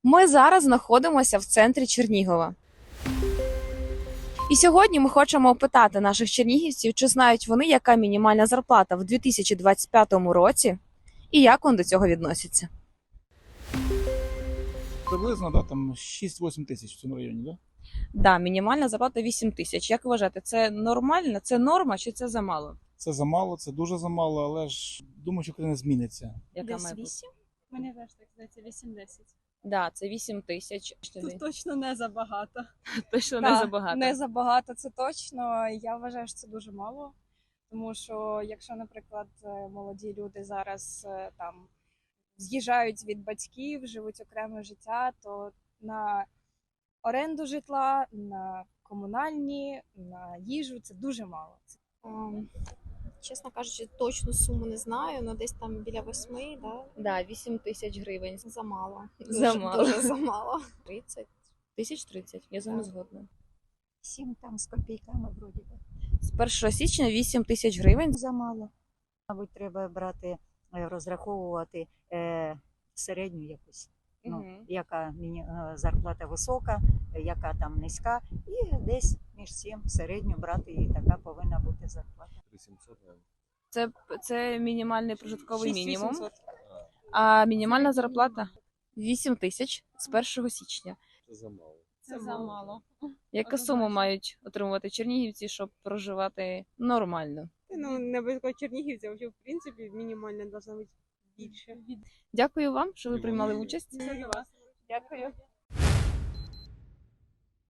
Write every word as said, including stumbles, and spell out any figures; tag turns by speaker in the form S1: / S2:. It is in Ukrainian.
S1: Ми зараз знаходимося в центрі Чернігова. І сьогодні ми хочемо опитати наших чернігівців, чи знають вони, яка мінімальна зарплата в дві тисячі двадцять п'ятому році і як вони до цього відносяться.
S2: Приблизно, да, там шість-вісім тисяч в цьому районі, да?
S1: Да, мінімальна зарплата вісім тисяч. Як ви вважаєте, це нормально, це норма чи це замало?
S2: Це замало, це дуже замало, але ж думаю, що коли не зміниться.
S1: Яка
S3: Десь
S1: має бути?
S3: вісім? Мені теж так здається, вісім-десять.
S1: Да, це вісім тисяч.
S3: Тут точно не забагато.
S1: Точно
S3: Да,
S1: не забагато.
S3: Не забагато, це точно. Я вважаю, що це дуже мало. Тому що, якщо, наприклад, е, молоді люди зараз е, там з'їжджають від батьків, живуть окреме життя, то на оренду житла, на комунальні, на їжу це дуже мало.
S4: Ем, Чесно кажучи, точну суму не знаю, але десь там біля восьми, да?
S1: Да, вісім тисяч гривень.
S4: Замало.
S1: Замало.
S4: Дуже, дуже замало.
S1: тридцять. Тисяч тридцять, я з вами
S4: Так.
S1: згодна.
S5: Сім там з копійками вроді би.
S1: З першого січня вісім тисяч гривень.
S5: Замало. Мабуть, треба брати, е, розраховувати е, середню якусь. Ну,
S1: Мгм.
S5: яка міні- е, зарплата висока, е, яка там низька, і десь між цим середню брати, і така повинна бути зарплата.
S6: три сімсот, наверное.
S1: Це, це мінімальний прожитковий мінімум.
S3: шість-вісімсот.
S1: А мінімальна зарплата вісім тисяч з першого січня.
S6: Це замало.
S3: Це замало.
S1: Яка сума мають отримувати чернігівці, щоб проживати нормально?
S7: Ну, не обов'язково чернігівці, а взагалі, в принципі, мінімально должна бути більше.
S1: Дякую вам, що ви приймали участь.
S7: Це до вас.
S3: Дякую.